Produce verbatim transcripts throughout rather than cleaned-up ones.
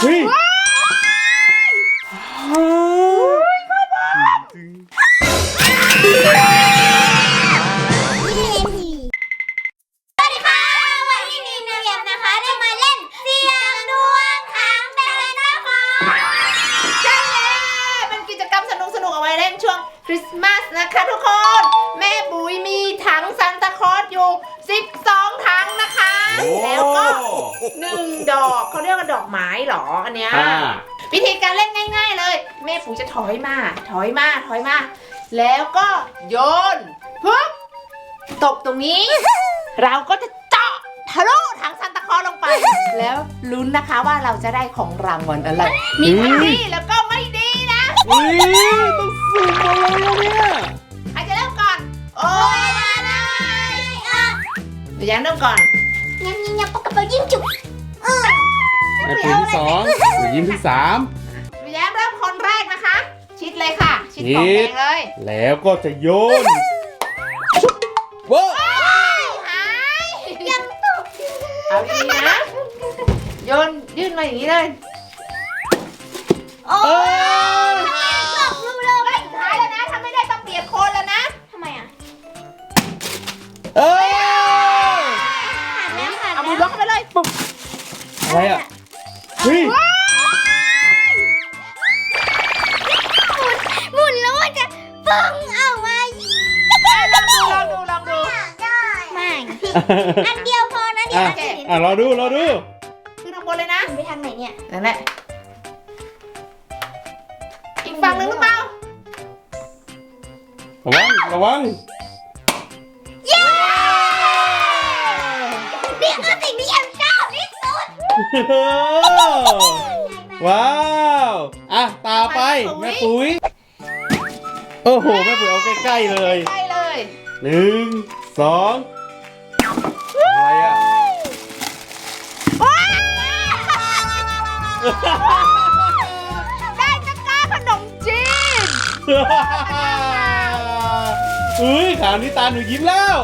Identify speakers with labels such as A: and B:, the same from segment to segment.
A: เฮ้ย
B: คริสต์มาสนะคะทุกคนแม่บุ๋ยมีถังซานตาคลอสอยู่สิบสองถังนะคะแล้วก็หนึ่งดอกเขาเรียกว่าดอกไม้หรออันเนี้ยวิธีการเล่นง่ายๆเลยแม่ปุ๋ยจะถอยมาถอยมาถอยมาแล้วก็โยนปุ๊บตกตรงนี้ เราก็จะเจาะทะลุถังซานตาคลอสลงไปแล้วลุ้นนะคะว่าเราจะได้ของรางวัลอะไรมีทั้งดีแล้วก็ไม่ดีนะ
A: อุ้ยต้องสุ่มอะไรเนี่ย
B: ใครจะเริ่มก่อนโอ้ยมาเลยเดี๋ยวยังเริ่มก่อน
C: ยังยังยังปากกระเป๋ายิ้มจุกเออ
A: แม่ปุ๋ยที่สองหนูยิ้มที่สาม
B: หนูแย้มเริ่มคนแรกนะคะชิดเลยค่ะชิดของแดงเลย
A: แล้วก็จะโยนว้าว
B: หายยังตกเอาดีนะโยนยื่นมาอย่างนี้เลย
C: โอ้ยหลอกลูกเลย
B: สุดท้ายแล้วนะถ้าไม่ได้ต้องเปลี่ยนคนแล้วนะ
C: ทำไมอ่ะ
A: เอ้ย
C: ขาดแล้วขาด
B: เอามือล็อกไปเลยปุ๊บ
A: อะไรอ่ะเฮ้ย
C: หมุนแล้วมันจะปึ้งออกมา
B: ลองดูลองดูลองดู
C: ไม่อันเดียวพอนะเดี๋ยว
A: อ่ะรอดูรอดู
B: ขึ้นข้างบนเลยนะ
C: ไปทางไหนเนี่ย
B: นั่นแหละอีกฝั่งหนึ่งหรือเปล่า
A: ระวังระวัง
C: เย้นี่คือสิ่งที่แอมชอบที่สุด
A: ว้าวอ่ะตาไปแม่ปุ๋ยโอ้โหแม่ปุ๋ยเอาใกล้ๆเลย
B: ใกล้เลย
A: หนึ่งสองอะไรอ่ะ
B: ได้ตะกร้าขนมจีน
A: อุ้ยข่าวนี้ตาหนูยิ้มแล้ว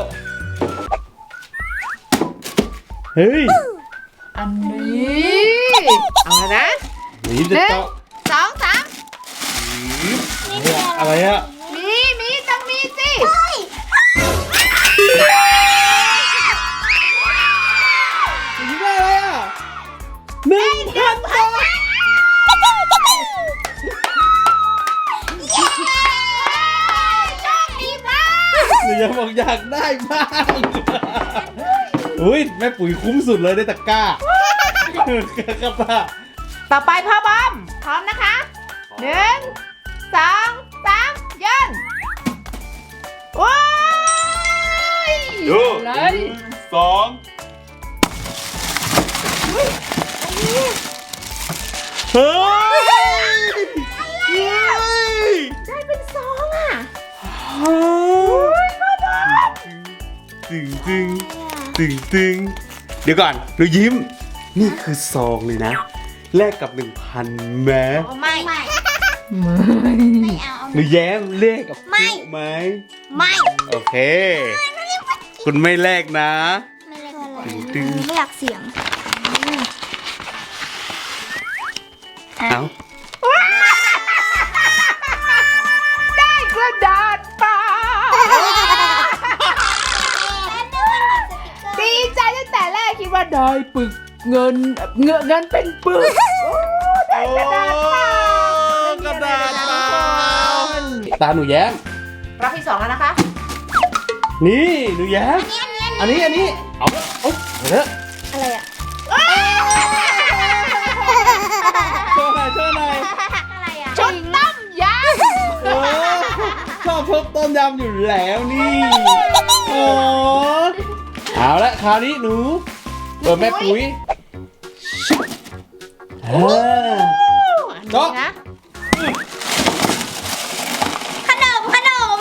A: เฮ้ย
B: อันนี้เอาละนะ
A: หนูยิ้มจะเจาะ
B: สองสาม
A: อะไรอ่ะ
B: มีมีต้องมีสิ
A: หนูยิ้มได้อะไรอ่ะหนึ่งพันบาทหนูยังบอกอยากได้บ้างอุ้ยแม่ปุ๋ยคุ้มสุดเลยได้ตะกร้ากระตา
B: ต่อไปพ่อบอมพร้อมนะคะหนึ่งสองสามยืนว้าย
A: ดูหนึ่งสองเฮ้ย
B: ได้เป็นสองอ่ะ
A: ตึงตึงตึงตึงเดี๋ยวก่อนหนูยิ้มนี่คือซองเลยนะแลกกับหนึ่งพันแม้
C: ไม่ไม่
A: ไม่เอาหนูแย้มเลขกับไม่ไหม
C: ไม่
A: โอเคคุณไม่แลกนะ
C: ไม่แลกอะไรไม่อยากเสียง
A: เอา
B: ได้กระดาษเปล่าดีใจตั้งแต่แรกคิดว่าได้ปึกเงินเงินเงินเป็นปึกได้กระดาษเปล่าก
A: ระดาษเปล่าตาหนูแย้ม
B: รอบที่สองแล้วนะคะ
A: นี่หนูแย้มอันนี้อันนี้เอาโอ๊ยเดี๋ยว
C: อะไรอ่ะ
A: โชว์หน่อยโชว์หน่อย
C: อะไรอ่ะ
B: ชุดต้มย
A: ำชอบชอบต้มยำอยู่แล้วนี่โอ้เอาละคราวนี้หนูเปิดแม่ปุ๋ยเออ
B: เนาะ
C: ขนมขนม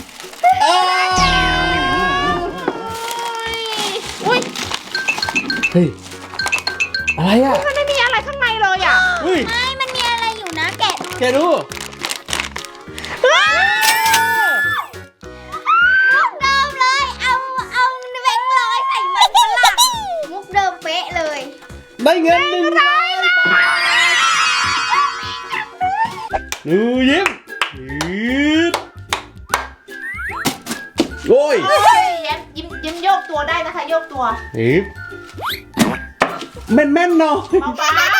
B: อุ้ย
A: เฮ้ยอะไรอ่ะ
B: มันไม่มีอะไรข้างในเลยอ่ะ
C: ไม่มันมีอะไรอยู่นะแกะดู
A: แกะดู
C: มุกเดิมเลยเอาเอาแบงค์ร้อยใส่มันฝรั่งมุกเดิมเป๊ะเลย
A: ได้เงินหนึ่งร้อยบาทหนูยิ้มยืดโอ้ย
B: โอ้ยยิ้มยิ้มยิ้มโยกตัวได้นะคะ โยกตัว
A: ยิ้มแม่นแม่นๆเนาะ
B: เบา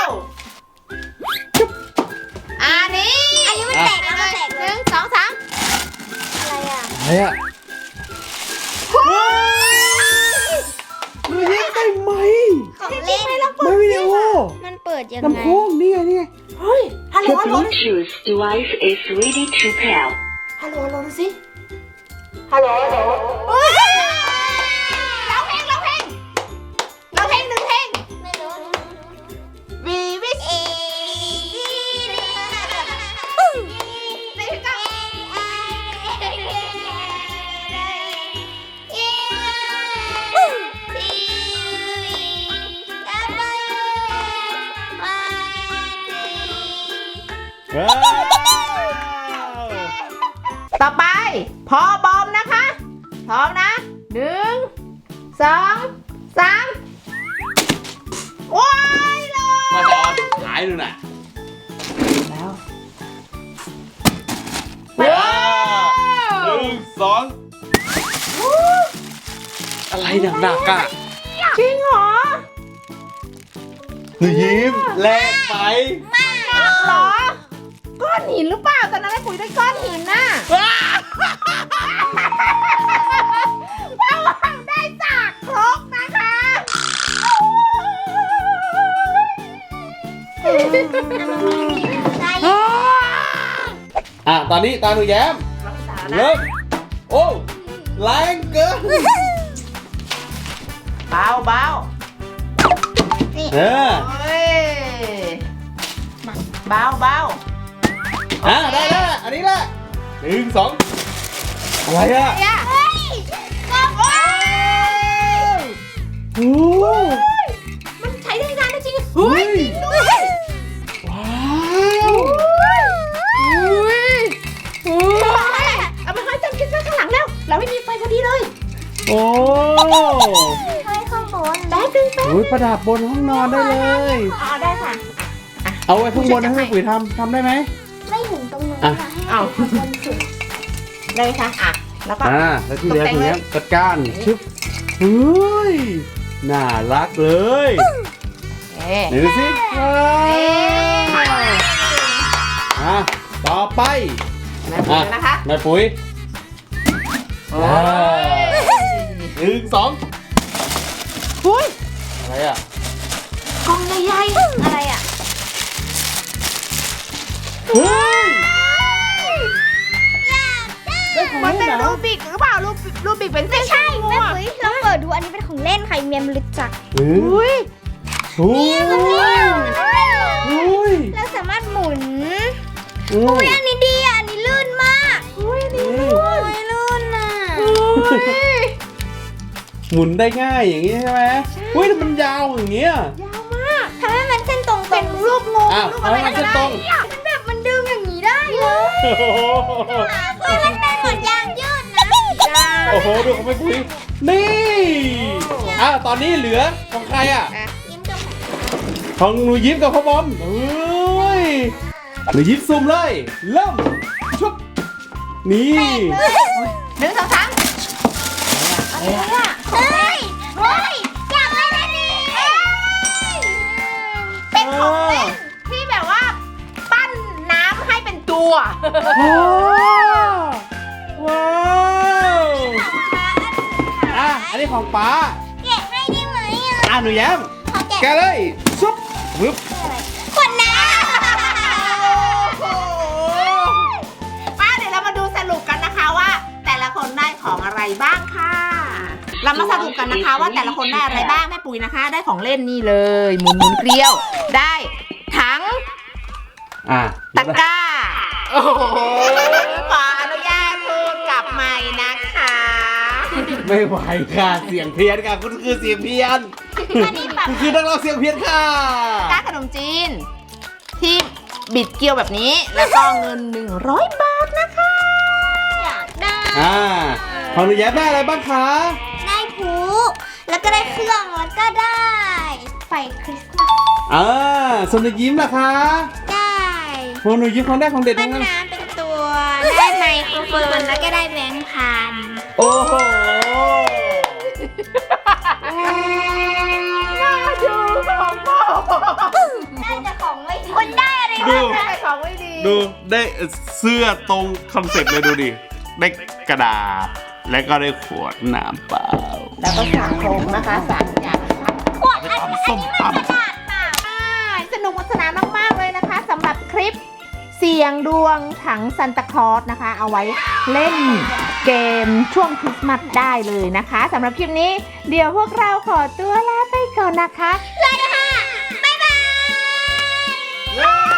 B: ๆอันนี้
C: อันนี้มันแตกแล้วมันแตก
B: ห
C: เล
B: นึ่
C: ย
B: งสองสาม
C: อะไรอ่ะ
A: อะไรอะหนูยิ้มได้ไหม
C: ของเล่น
A: ไม่วิดีโอ
C: มันเปิดยังไง
A: ลำโพงนี่ไงนี่ไง
B: เฮ้ยฮัลโหลฮัลโหล
D: Bluetooth device is ready to pair.
B: ฮัลโหลฮัลโหลดูสิฮัลโหลฮัลโหลเฮ้ยร้องเพลงร้องเพลงร้องเพลงหนึ่งเพลง
C: ไม่รู้
B: We wish
C: เอ
B: นี่ก็
A: ว้าว
B: ต่อไปพอบอมนะคะพร้อมนะหนึ่งสองสามว้ายเลย
A: มาจะเอาหายดูน่ะ
B: แล้ว
A: ว้าวหนึ่งสองอะไรหนักๆอ่ะ
B: จริงเหรอ
A: หนูยิ้มแลกไป
B: หนักเหรอก้อนหินหรือเปล่าตอนนั้นไอ้ปุ๋ยได้ก้อนหินน่ะระวังได้จากครกนะคะ
A: อ่ะตอนนี้ตาหนูแย้มเริ่มโอ้แรงเกิน
B: เบาเบา
A: เออ
B: เฮ้ยเบาเบา
A: อ่ะได้แล้วอันนี้แหละหนึ่งสองอะไรอ่ะ
B: เนี่ย
C: เฮ้ยก็
B: โอ้ย
A: โอ้
B: มันใช้ได้งานได้จริงเฮ้ยจริงด้วย
A: ว้าว
B: อุ้ยอุ้ยเอามาให้จันคิดไว้ข้างหลังแล้ว เราไม่มีไฟพอดีเลย
A: โอ้
C: เฮ้ยข้างบน
B: แป๊บนึงแป๊บ
A: โหประดับบนห้องนอนได้เลย
B: อ๋อได้ค่ะ
A: เอาไว้ข้างบนนะให้ปุ๋ยทำทำได้ไหม
C: ไม่ถึงตรงนู้น
A: อ่ะ
C: นะให้
B: เอา
C: ข้างบนสุด
B: ได้ค่ะอ่ะ แล้วก็
A: อ่าแล้วที่เหลือตรงนี้จัดการชึบเฮ้ยน่ารักเลย
B: เอ๊ะ
A: ไหนดูสิว้าวอ่ะต่อไป
B: แม่ปุ๋ยนะคะ
A: แม่ปุ๋ย
B: โอ้ย
A: หนึ่งสอง
B: อุ้ย
A: อะไรอ่ะ
B: กล่องใหญ่
C: อะไรอ่ะ
A: เฮ้ยได้ของ
B: ๆมัน
A: เล่น
B: เป็น
A: เหร
B: รู
A: อ
B: บิกหรือเปล่ารูบิกรูบิกเป็นเส้น
C: ใช่
B: ๆ
C: แม่
B: อ่ะ
C: ปุ๋ยลองเปิดดูอันนี้เป็นของเล่นใครเมียมรู้จัก
A: เฮ้ย
B: อุ้ย
A: โอ้ยโอ้ย
C: เราสามารถหมุน
A: โอ้
C: อุ้
A: ย
C: ยอันนี้ดีอ่ะอันนี้ลื่นมาก
B: อุ้ยนี่
C: โอ้ยลื่นอ่ะ
B: อุ้ย
A: หมุนได้ง่ายอย่างนี้ใช่ไหมเฮ้ยแต่มันยาวอย่างเงี้ย
B: ยาวมาก
C: ทำให้มันเส้นตรงๆ
B: เป็นรูปงู
A: อ้าว
B: รูปอะไร
A: เอาให้มัน
B: ก็
A: เส้น
B: ได้
A: ตรง
B: เนี่ย
C: มันแบบมันดึงอย่างนี้ได้เลย
A: โอ้โห
C: เฮ้ยมันเป็นเหมือนยางยืดนะ
A: โอ้โหดูของแม่ปุ๋ยนี่อ้าวตอนนี้เหลือของใครอ่ะ
C: ยิ้มกับ
A: ของหนูยิ้มกับพ่อบอมเฮ้ยหนูยิ้มซูมเลยเริ่มชุบนี่
B: หนึ่งสองสาม
C: อะไรอ่ะเฮ้ยเฮ้ยอยากเล่นอันนี้
B: เป็นของเล่นที่แบบว่า ปั้นน้ำให้เป็นตัว
A: โอ้ว้าวอ่ะอันนี้ของป๊า
C: แกะให้ได้ไหมอ่ะ
A: อ่ะหนูแย้ม
C: ขอแกะ
A: แกะเลยชุบปึ๊บ
C: ขวดน้
B: ป้าเดี๋ยวเรามาดูสรุปกันนะคะว่า แต่ละคนได้ของอะไรบ้างค่ะ เรามาสรุปกันนะคะว่าแต่ละคนได้อะไรบ้างแม่ปุ๋ยนะคะ ได้ของเล่นนี่เลยหมุนหมุนเกลียว ได้ถัง
A: อ่ะ
B: ตะกร้า โอ้โหขออนุญาตพูดกลับใหม่นะคะ
A: ไม่ไหวค่ะเสียงเพี้ยนค่ะคุณคือเสียงเพี้ยน
C: ำอันนี้แบบ
A: คุณคือนักร้องเสียงเพี้ยนค่ะ
B: กร้าขนมจีน ที่บิดเกลียวแบบนี้แล้วก็เงินหนึ่งร้อยบาทนะคะ
C: อยากได้
A: อ่าของหนูแย้มได้อะไรบ้างคะ
C: ได้พลุแล้วก็ได้เครื่องแล้วก็ได้ไฟคริสต์มาส
A: อ่าส่วนหนูยิ้มล่ะคะ
C: ได้
A: พวกหนูยิ้มของได้ของเด็ด
C: ต้
A: ทั้
C: น
A: งนั้น
C: น้ำเป็นตัว ได้ไมโครโฟนแล้วก็ได้แบงค์พัน
A: โอ้โห
B: น่าดูของโป
C: ได้แต่ของไม่ดีคุณได้อะไร
A: ดู
B: ได้แต่ของไม่ดี
A: ดูได้เสื้อตรงคอนเซ็ปต์เลยดูดิ ได้กระดาษ และก็ได้ขวดน้ำเปล่า
B: แล้วก็สามโครงนะคะสามอย่าง
C: ขวดอันนี้อันนี้มันกระดาษเปล่า
B: อ่าสนุกสนานมาก ๆ เลยนะคะสำหรับคลิปเสียงดวงถังซันตาคลอสนะคะ เอาไว้เล่นเกมช่วงคริสต์มาสได้เลยนะคะสำหรับคลิปนี้เดี๋ยวพวกเราขอตัวลาไปก่อนนะคะ
C: เลยค่ะ บ๊ายบาย
A: เย้